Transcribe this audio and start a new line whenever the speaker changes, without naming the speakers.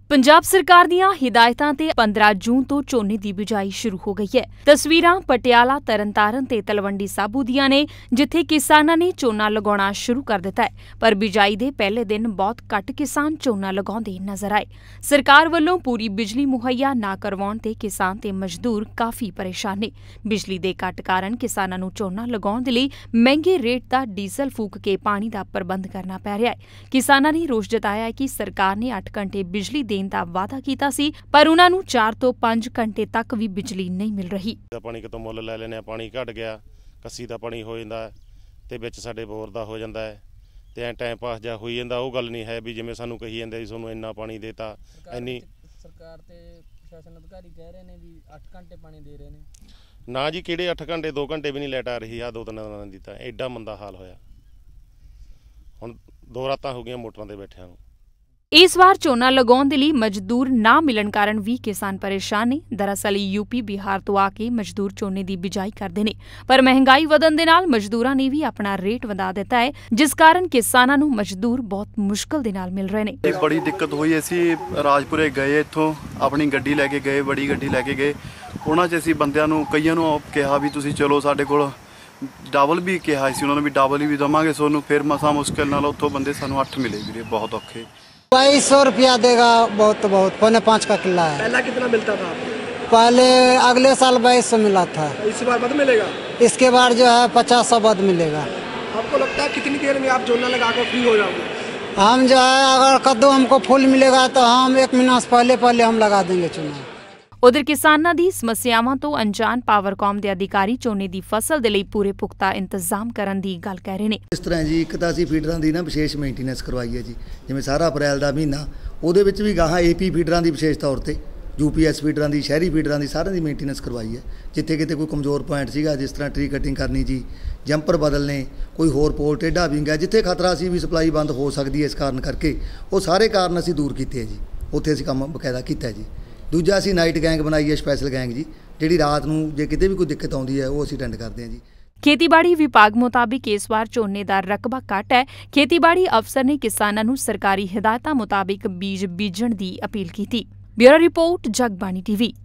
पंजाब सरकार दीआं हिदायतां ते 15 जून तो झोने की बिजाई शुरू हो गई है। तस्वीरां पटियाला, तरनतारन ते तलवंडी साबू दीआं ने, जिथे किसानां ने झोना लगाउणा शुरू कर दिता है, पर बिजाई दे पहले दिन बहुत घट किसान झोना लगाउंदे नजर आए। सरकार वल्लों पूरी बिजली मुहैया ना करवाउण ते किसान ते मजदूर काफी परेशान ने। बिजली दे घट कारण किसानां नूं झोना लगाउण दे लई महंगे रेट दा डीजल फूक के पानी दा प्रबंध करना पै रिहा है। किसानां ने रोष जताया है कि सरकार ने 8 घंटे बिजली देण दा वादा कीता सी, पर उन्हां नूं 4 ਤੋਂ 5 घंटे तक भी बिजली नहीं मिल रही।
पानी कितों मुੱਲ ਲੈ ਲੈਨੇ ਆ, ਪਾਣੀ ਘਟ ਗਿਆ, ਕੱਸੀ ਦਾ ਪਾਣੀ ਹੋ ਜਾਂਦਾ ਤੇ ਵਿੱਚ ਸਾਡੇ ਬੋਰ ਦਾ ਹੋ ਜਾਂਦਾ ਹੈ ਤੇ ਐ ਟਾਈਮ ਪਾਸ ਜਾ ਹੋਈ ਜਾਂਦਾ। ਉਹ ਗੱਲ ਨਹੀਂ ਹੈ ਵੀ ਜਿਵੇਂ ਸਾਨੂੰ ਕਹੀ ਜਾਂਦੇ ਸੀ ਤੁਹਾਨੂੰ ਇੰਨਾ ਪਾਣੀ ਦੇਤਾ। ਇੰਨੀ
ਸਰਕਾਰ ਤੇ ਪ੍ਰਸ਼ਾਸਨ ਅਧਿਕਾਰੀ ਕਹਿ ਰਹੇ ਨੇ ਵੀ 8 ਘੰਟੇ ਪਾਣੀ ਦੇ ਰਹੇ ਨੇ।
ਨਾ ਜੀ, ਕਿਹੜੇ 8 ਘੰਟੇ, 2 ਘੰਟੇ ਵੀ ਨਹੀਂ ਲਾਈਟ ਆ ਰਹੀ ਆ। 2-3 ਦਿਨਾਂ ਦੀ ਤਾਂ ਐਡਾ ਮੰਦਾ ਹਾਲ ਹੋਇਆ। ਹੁਣ 2 ਰਾਤਾਂ ਹੋ ਗਈਆਂ ਮੋਟਰਾਂ ਤੇ ਬੈਠਿਆਂ ਨੂੰ।
इस वार झोना लगाउण दे लई मजदूर ना मिलण कारण भी किसान परेशान ने। दरअसल यूपी बिहार तो आके मजदूर झोने की बिजाई करते हैं, पर महंगाई वधण दे नाल मजदूरां ने भी अपना रेट वधा दिता है, जिस कारण किसानां नूं मजदूर बहुत मुश्किल दे नाल मिल रहे हैं।
बड़ी दिक्कत हुई। असीं राजपुरे गए, इत्थों अपनी गड्डी लैके गए, बड़ी गड्डी लैके गए। उन्हां 'च असीं बंदिआं नूं कईआं नूं कहा भी तुसीं चलो साडे कोल। डबल भी कहा सी उन्होंने भी डबल भी देवांगे सोनू। फिर मसा मुश्किल नाल उत्थों बंदे सानूं 8 मिले वीरे, बहुत औखे।
2200 रुपया देगा, बहुत 5.5 का किला है।
पहला कितना मिलता था?
पहले अगले साल 2200 मिला था।
इस बार बद मिलेगा?
इसके बाद जो है 50 बद मिलेगा।
आपको लगता है कितनी देर में आप झोना लगा कर फ्री हो जाओगे?
हम जो है अगर कद्दू हमको फूल मिलेगा तो हम 1 महीना से पहले हम लगा देंगे चुना।
उधर किसानां दी समस्यावां तो अनजान पावरकॉम के अधिकारी झोने की फसल के लिए पूरे पुख्ता इंतजाम करने की गल कह रहे हैं।
इस तरह जी एक तो असीं फीडरां की ना विशेष मेनटेनेंस करवाई है जी, जिवें सारा अप्रैल का महीना उहदे विच भी गाहां AP फीडरां की विशेष तौर पर UPS फीडरां की, शहरी फीडरां की, सारिਆਂ की मेनटेनेंस करवाई है। जिथे किते कोई कमज़ोर पॉइंट सीगा, जिस तरह ट्री कटिंग करनी जी, जंपर बदलने, कोई होर पोल टेढ़ा विंग है जिथे खतरा सी भी सप्लाई बंद हो सकती है इस कारण करके, वो सारे कारण असीं दूर कीते है जी। उत्थे असीं काम बकायदा कीता है जी। दूजा असीं नाइट गैंग बनाई है, स्पैशल गैंग जी, जिहड़ी रात नूं जे किते भी कोई दिक्कत आउंदी है वो असीं अटेंड करते हैं जी।
खेतीबाड़ी विभाग मुताबिक इस बार झोने का रकबा घट है। खेतीबाड़ी अफसर ने किसानां नूं सरकारी हिदायतां मुताबिक बीज बीजण की अपील की। Bureau report, Jagbani TV।